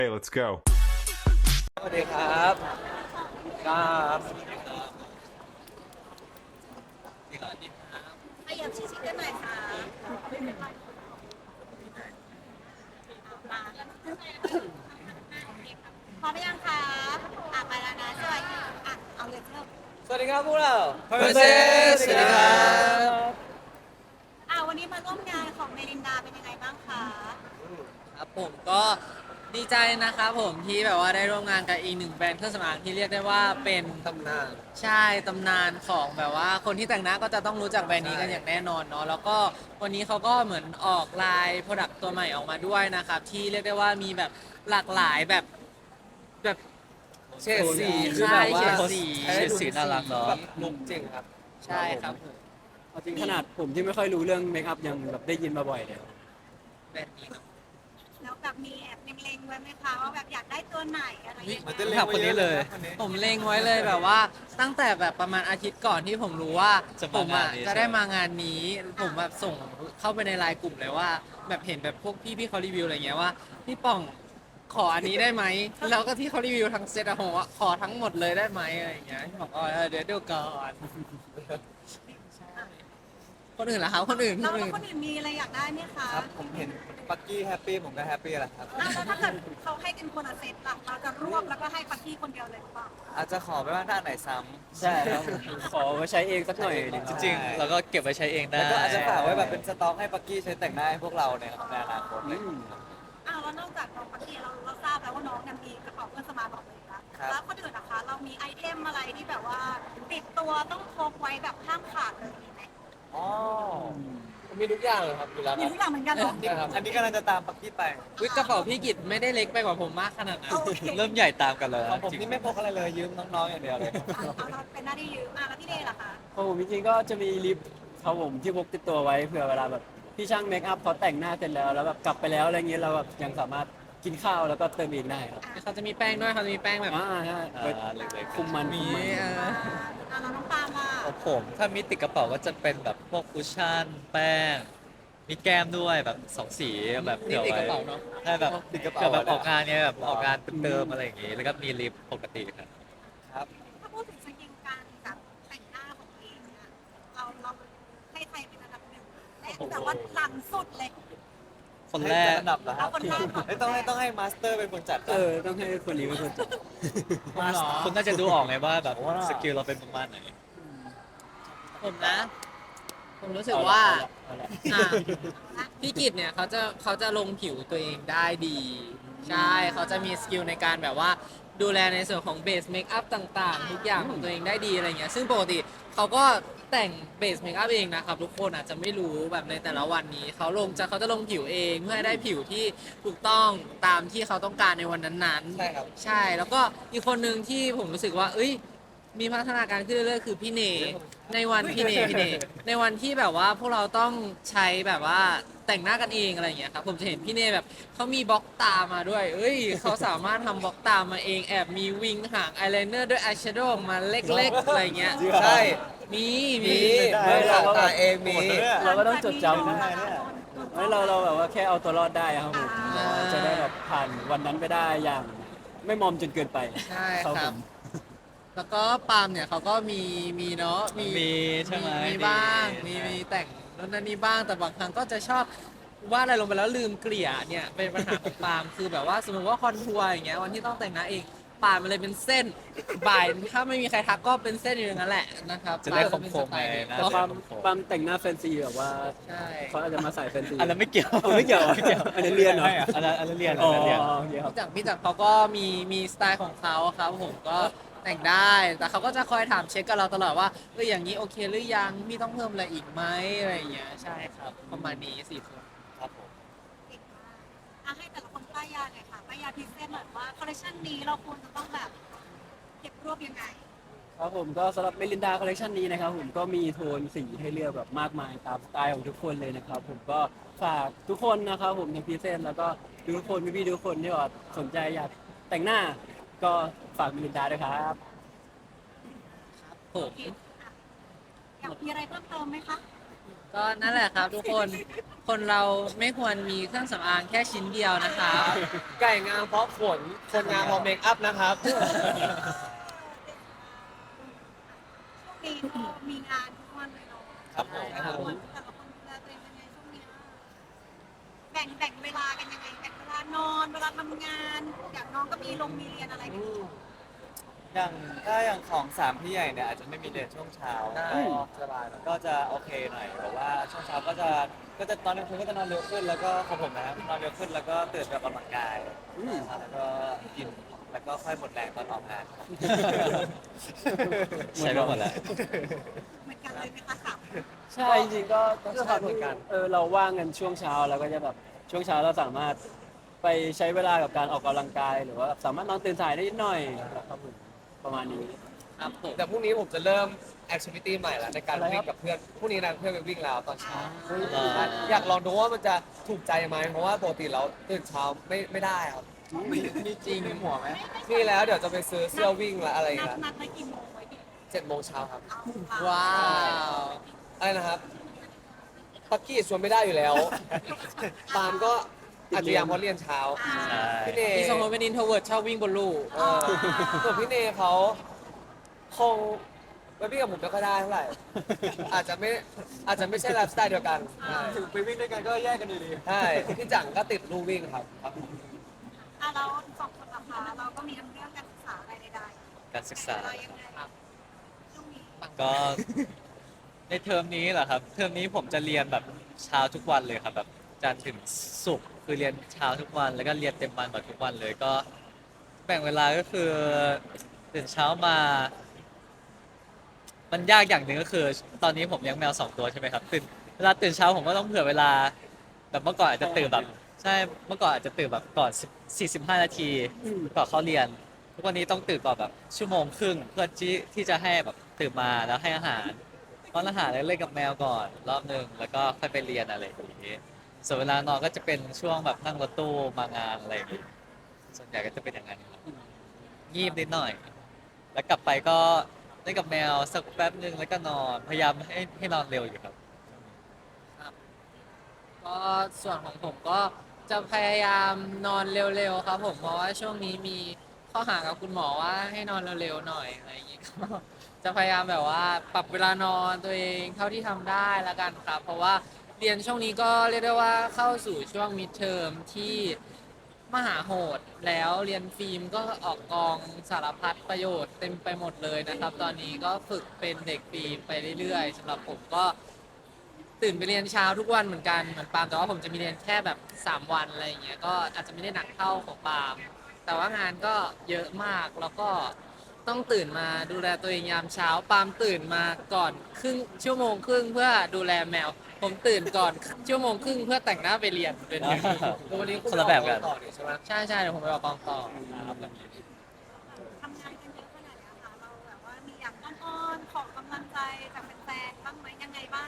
Hey, let's go. สวัสดีครับครับขยับชิดๆกันหน่อยค่ะพร้อมหรือยังคะไปแล้วนะสวัสดีเอาเลยเริ่มสวัสดีครับพวกเรา Versus สวัสดีครับวันนี้มาร่วมงานของเมลินดาเป็นยังไงบ้างคะครับผมก็ดีใจนะครับผมที่แบบว่าได้ร่วมงานกับอีกหนึ่งแบรนด์เครื่องสำอางที่เรียกได้ว่าเป็นตำนานใช่ตำนานของแบบว่าคนที่แต่งหน้าก็จะต้องรู้จักแบรนด์นี้กันอย่างแน่นอนเนาะแล้วก็วันนี้เขาก็เหมือนออกลายโปรดักต์ตัวใหม่ออกมาด้วยนะครับที่เรียกได้ว่ามีแบบหลากหลายแบบเฉดสีใช่เฉดสีให้ดูสีน่ารักเนอะแบบลุกจริงครับใช่ครับผมเอาจริงขนาดผมที่ไม่ค่อยรู้เรื่องเมคอัพยังแบบได้ยินมาบ่อยเลยแบรนด์นี้เนอะแล้วแบบมีแอบเล็งๆไว้ไหมคะว่าแบบอยากได้ตัวไหนอะไรอย่างเงี้ยมันจะเล่นคนนี้เลยผมเล็งไว้เลยแบบว่าตั้งแต่แบบประมาณอาทิตย์ก่อนที่ผมรู้ว่าผมอ่ะจะได้มางานนี้ ผมแบบส่งเข้าไปในไลน์กลุ่มเลยว่า แบบเห็นแบบพวกพี่เขารีวิวอะไรเงี้ยว่าพี่ป่องขออันนี้ได้ไหมแล้วก็ที่เขารีวิวทั้งเซตอะผมว่าขอทั้งหมดเลยได้ไหมอะไรอย่างเงี้ยพี่บอกเดี๋ยวดูก่อนใช่คนอื่นล่ะครับคนอื่นแล้วคนอื่นมีอะไรอยากได้ไหมคะครับผมเห็นปักกี้แฮปปี้ผมก็แฮปปี้แหละครับแล้วถ้าเกิดเขาให้เป็นคนละเซตล่ะเราจะรวบแล้วก็ให้ปักกี้คนเดียวเลยหรือเปล่าอาจจะขอไปว่าถ้าอันไหนซ้ใช่ครับขอไว้ใช้เองสักหน่อยหนึ่งจจริงๆเราก็เก็บไว้ใช้เองำได้แล้วก็อาจจะฝากไว้แบบเป็นสต็อกให้ปักกี้ใช้แต่งหน้าให้พวกเราในอนาคตเลยแล้วนอกจากน้องปักกี้เราทราบแล้วว่าน้องเนี่ยมีกระเป๋าเพื่อนสมาร์ทบอกเลยนะครับ แล้วคนอื่นนะคะเรามีไอเทมอะไรที่แบบว่าติดตัวต้องพกไว้แบบห้ามขาดเลยมีไหมอ๋อมีทุกอย่างเลยครับอยู่แล้วมีทุกอย่างเหมือนกันเหรอครับอันนี้กำลังจะตามปักกี้ไปวิกกระเป๋าพี่กิจไม่ได้เล็กไปกว่าผมมากขนาดนั้นโอเคเริ่มใหญ่ตามกันเลยของผมนี่ไม่พกอะไรเลยยืมน้องๆอย่างเดียวเลยเราเป็นหน้าที่ยืมแล้วพี่เดย์ล่ะคะเพราะผมจริงๆก็จะมีลิปครับผมที่พกติดตัวไว้เผื่อเวลาแบบพี่ช่างเมคอัพเขาแต่งหน้าเสร็จแล้วแบบกลับไปแล้วอะไรเงี้ยเราแบบยังสามารถกินข้าวแล้วก็เติมอีกได้ครับเขาจะมีแป้งด้วยเขาจะมีแป้งแบบใช่ไว้เล็กๆคุมมันมีเราน้องปาล์มอ่ะของผมถ้ามีติดกระเป๋าก็จะเป็นแบบพวกคุชชั่นแป้ง มีแก้มด้วยแบบสองสีแบบนี่เผื่อติดกไว้ระเป๋าเนาะใช่แบบติดกระเป๋าเผื่อแบบออกงานเนี่ยแบบออกงานเติมอะไรอย่างงี้ แล้วก็มีลิปปกติครับครับถ้าพูดถึงสกิลการแบบแต่งหน้าของตัวเองเนี่ยเราให้ใครเป็นอันดับหนึ่งและแบบว่าหลังสุดเลยคนแรกให้จัดอันดับเหรอครับเอาคนแรกก่อนไม่ต้องให้มาสเตอร์เป็นคนจัดต้องให้คนนี้เป็นคนจัดคุณน่าจะดูออกไงว่าแบบสกิลเราเป็นประมาณไหนผมนะ ผมรู้สึกว่าเอาละอ่ะพี่กิจเนี่ยเขาจะลงผิวตัวเองได้ดี ใช่เขาจะมีสกิลในการแบบว่าดูแลในส่วนของเบสเมคอัพต่างๆ ทุกอย่างของตัวเองได้ดีอะไรเงี้ยซึ่งปกติเขาก็แต่งเบสเมคอัพเองนะครับทุกคนอาจจะไม่รู้แบบในแต่ละวันนี้เขาจะลงผิวเองเพื่อให้ได้ผิวที่ถูกต้องตามที่เขาต้องการในวันนั้นๆใช่ครับใช่แล้วก็อีกคนหนึ่งที่ผมรู้สึกว่า เอ้ย มีพัฒนาการขึ้นเรื่อยๆคือพี่เนในวันพี่เนในวันที่แบบว่าพวกเราต้องใช้แบบว่าแต่งหน้ากันเองอะไรอย่างเงี้ยครับผมจะเห็นพี่เนแบบเขามีบล็อกตามาด้วย เอ้ยเขาสามารถทำบล็อกตามาเองแอบมีวิงหางอายไลเนอร์ด้วยอายแชโดว์ออกมาเล็กๆอะไรเงี้ยใช่มีมีไม่หลังตาเองมีเราก็ต้องจดจำนะนะไม่เราแบบว่าแค่เอาตัวรอดได้ครับผมจะได้แบบผ่านวันนั้นไปได้อย่างไม่มอมจนเกินไปใช่ครับคผรับมแล้วก็ปาล์มเนี่ยเขาก็มีเนาะมีใช่ไหมมีบ้างมีมีแต่งนู่นนั่นนี่บ้างแต่บางครั้งก็จะชอบวาดอะไรลงไปแล้วลืมเกลี่ยเนี่ยเป็นปัญหาของปาล์มคือแบบว่าสมมติว่าคอนทัวร์อย่างเงี้ยวันที่ต้องแต่งหน้าเองปาล์มมันเลยเป็นเส้นบ่ายถ้าไม่มีใครทักก็เป็นเส้นอยู่อย่างนั้นแหละนะครับจะได้ปาล์มก็เป็นคมๆสไตล์ไงนี้นะก็ความแต่งหน้าแฟนซีแบบว่าใช่เขาอาจจะมาใส่แฟนซีอันนั้นไม่เกี่ยวไม่เกี่ยวอันนั้นเรียนเหรออันนั้นเรียนอ๋อัอนนั้นเรียนโอเคครับพี่จักรเขาก็มีสไตล์ของเขาครับผมก็แต่งได้แต่เขาก็จะคอยถามเช็คกับเราตลอดว่าอย่างนี้โอเคหรือยังพี่ต้องเพิ่มอะไรอีกไหมอะไรอย่างเงี้ยใช่ครับประมาณนี้4 คนครับผมเก่งมากให้แต่ละคนป้ายยาหน่อยค่ะป้ายยาพรีเซนต์หน่อยว่าคอลเลคชันนี้เราควรจะต้องแบบเก็บรวบยังไงครับผมก็สำหรับเมลินดาคอลเลคชันนี้นะครับผมก็มีโทนสีให้เลือกแบบมากมายตามสไตล์ของทุกคนเลยนะครับผมก็ฝากทุกคนนะครับผมในพรีเซนต์แล้วก็ทุกคนพี่ๆทุกคนที่ว่าสนใจอยากแต่งหน้า ก็ฝากเมลินดาด้วยครับผมอยากมีอะไรเพิ่มเติมไหมคะก็นั่นแหละครับทุกคนคนเราไม่ควรมีเครื่องสำอางแค่ชิ้นเดียวนะครับไก่งามเพราะขน คนงามเพราะเมคอัพนะครับช่วงนี้ก็มีงานทุกวันเลยเนาะครับผมแต่ละคนดูแลตัวเองยังไงช่วงนี้แบ่งเวลากันยังไงแบ่งเวลานอนเวลาทำงานอย่างน้องก็มีมีเรียนอะไรกันอยู่อย่างถ้าอย่างของสามพี่ใหญ่เนี่ยอาจจะไม่มีเรียนช่วงเช้าได้สบายก็จะโอเคหน่อยแบบว่าช่วงเช้าก็จะตอนกลางคืนก็จะนอนเร็วขึ้น แล้วก็ของผมนะครับนอนเร็วขึ้นแล้วก็ตื่นไปออกกำลังกายแล้วก็กินแล้วก็ค่อยหมดแรงตอนออกงานครับใช้ไปหมดแล้วเหมือนกันเลยไหมคะสามใช่จริงๆก็ด้วยความที่เราว่างกันช่วงเช้าแล้วก็จะแบบช่วงเช้าเราสามารถไปใช้เวลากับการออกกำลังกาย หรือว่าสามารถนอนตื่นสายได้นิดหน่อยนะครับผมประมาณนี้ครับผมแต่พรุ่งนี้ผมจะเริ่มแอคทิวิตี้ใหม่แล้วในการอะไรครับวิ่งกับเพื่อนพรุ่งนี้นะเพื่อนไปวิ่งแล้วตอนเช้าอ่าอยากลองดูว่ามันจะถูกใจไหมเพราะว่าปกติเราตื่นเช้าไม่ได้ครับมีจริงหัวไหมนี่แล้วเดี๋ยวจะไปซื้อเสื้อวิ่งและอะไรนัดกันนัดไปกี่โมงไว้ดี 7 โมงเช้าครับว้าวอะไรนะครับปักกี้ชวนไม่ได้อยู่แล้วปาล์มก็อาจจะยังเพราะเรียนเช้าใช่พี่เนพี่สองคนเป็นอินโทรเวิร์ดชอบวิ่งบนลู่ส่วนพี่เนเขาคงไปวิ่งกับผมไม่ค่อยได้เท่าไหร่ อาจจะไม่ใช่ไลฟ์สไตล์เดียวกันใช่ถึงไปวิ่งด้วยกันก็แยกกันอยู่ดีใช่พี่จังก็ติดลู่วิ่งครับเราสองคนละคะเราก็มีทั้งเรื่องการศึกษาอะไรใดการศึกษาเรายังไงช่วงนี้ก็ในเทอมนี้เหรอครับ เทอมนี้ผมจะเรียนแบบเช้าทุกวันเลยครับแบบจันทร์ถึงศุกร์คือเรียนเช้าทุกวัน แล้วก็เรียนเต็มวันแบบทุกวันเลยก็แบ่งเวลาก็คือตื่นเช้ามา มันยากอย่างหนึ่งก็คือ ตอนนี้ผมเลี้ยงแมว2 ตัวใช่ไหมครับเวลาตื่นเช้าผมก็ต้องเผื่อเวลาแบบเมื่อก่อนอาจจะตื่นแบบใช่เมื่อก่อนอาจจะตื่นแบบก่อน45 นาทีก่อนเข้าเรียน ทุกวันนี้ต้องตื่นก่อนแบบชั่วโมงครึ่งเพื่อที่จะให้แบบตื่นมาแล้วให้อาหารป้อนอาหารแล้วเล่นกับแมวก่อนรอบหนึ่งแล้วก็ค่อยไปเรียนอะไรอย่างนี้ส่วนเวลานอนก็จะเป็นช่วงแบบนั่งรถตู้มางานอะไรอย่างนี้ส่วนใหญ่ก็จะเป็นอย่างนั้นครับงีบนิดหน่อย แล้วกลับไปก็เล่นกับแมวสักแป๊บหนึ่งแล้วก็นอนพยายามให้นอนเร็วอยู่ครับก็ส่วนของผมก็จะพยายามนอนเร็วๆครับผมเพราะว่าช่วงนี้มีข้อหากับคุณหมอว่าให้นอนเร็วๆหน่อยอะไรอย่างงี้ก็จะพยายามแบบว่าปรับเวลานอนตัวเองเท่าที่ทำได้แล้วกันครับ เพราะว่าเรียนช่วงนี้ก็เรียกได้ว่าเข้าสู่ช่วงมิดเทอมที่มหาโหดแล้วเรียนฟิล์มก็ออกกองสารพัดประโยชน์เต็มไปหมดเลยนะครับ ตอนนี้ก็ฝึกเป็นเด็กฟิล์มไปเรื่อยๆสำหรับผมก็ ตื่นไปเรียนเช้าทุกวันเหมือนกันเหมือนปาล์มแต่ว่าผมจะมีเรียนแค่แบบ3 วันอะไรอย่างเงี้ยก็อาจจะไม่ได้หนักเท่าของปาล์มแต่ว่างานก็เยอะมากแล้วก็ต้องตื่นมาดูแลตัวเองยามเช้าปาล์มตื่นมาก่อนชั่วโมงครึ่งเพื่อดูแลแมว ผมตื่นก่อนชั่วโมงครึ่งเพื่อแต่งหน้าไปเรียนเป็นวันนี้คนละแบบกันต่อนี่ใช่ไหมใช่ใช่เดี๋ยวผมไปออกกองต่อครับทำงานกันเยอะขนาดนี้ค่ะเราแบบว่ามีอยากอ้อนๆขอกำลังใจจากแฟนๆบ้างไหมยังไงบ้าง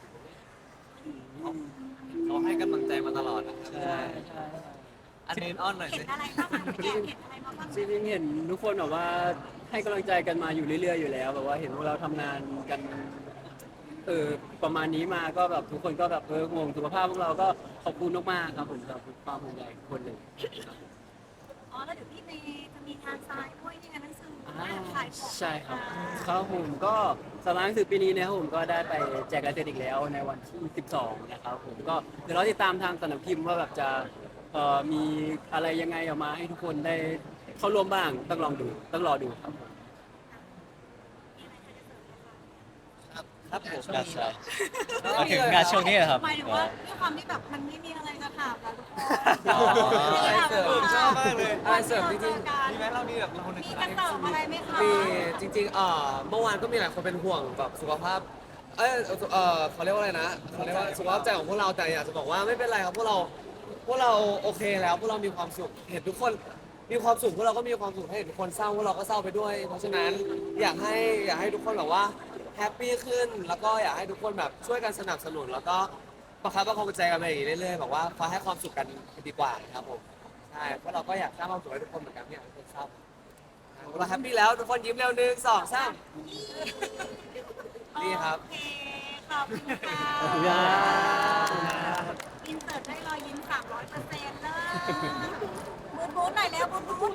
เขาให้กำลังใจมาตลอดนะครับใช่ใช่อันนี้อ้อนหน่อยเห็นสิอะไรบ้างคะแอบเห็นอะไรมาบ้างจริงๆเห็นทุกคนแบบว่าให้กำลังใจกันมาอยู่เรื่อยๆอยู่แล้วแบบว่าเห็นพวกเราทำงานกันประมาณนี้มาก็แบบทุกคนก็แบบห่วงสุขภาพพวกเราก็ขอบคุณมากๆครับผมสำหรับความห่วงใยทุกคนเลยอ๋อแล้วเดี๋ยวพี่เมย์จะมีงานทรายด้วยนี่ไงหนังสืออ่าขายของใช่ครับครับผมก็สำหรับหนังสือปีนี้นะครับผมก็ได้ไปแจกลายเซ็นอีกแล้วในวันที่ 12 นะครับผมก็เดี๋ยวเราติดตามทางสำนักพิมพ์ว่าแบบจะมีอะไรยังไงออกมาให้ทุกคนได้เข้าร่วมบ้างต้องลองดูต้องรอดูครับผมครับผมงานใช่มาถึงงานช่วงนี้เหรอครับหมายถึงว่าด้วยความที่แบบมันไม่มีอะไรจะถามแล้วทุกคนอ๋ออะไรเสริมชอบมากเลยอะไรเสริมจริงมีไหมเรามีแบบเราหนึ่งมีกระเสริมอะไรไหมคะๆมีจริงๆเมื่อวานก็มีหลายคนเป็นห่วงแบบสุขภาพเขาเรียกว่าอะไรนะเขาเรียกว่าสุขภาพใจของพวกเราแต่อยากจะบอกว่าไม่เป็นไรครับพวกเราโอเคแล้วพวกเรามีความสุขเห็นทุกคนมีความสุขพวกเราก็มีความสุขให้เห็นทุกคนเศร้าพวกเราก็เศร้าไปด้วย เพราะฉะนั้นอยากให้ทุกคนแบบว่าแฮปปี้ขึ้นแล้วก็อยากให้ทุกคนแบบช่วยกันสนับสนุนแล้วก็ประคับประคองใจกันไปอย่างนี้เรื่อยๆแบบว่าคอยให้ความสุขกันดีกว่าครับผมใช่เพราะเราก็อยากสร้างความสุขให้ทุกคนเหมือนกันไม่อยากให้ทุกคนเศร้าเราแฮปปี้แล้วทุกคนยิ้มเร็ว1 2 3 นี่ครับโอเคขอบคุณค่ะขอบคุณครับอินเสิร์ตได้รอยยิ้ม300%เลยบูทบูทหน่อยแล้วบูทบูท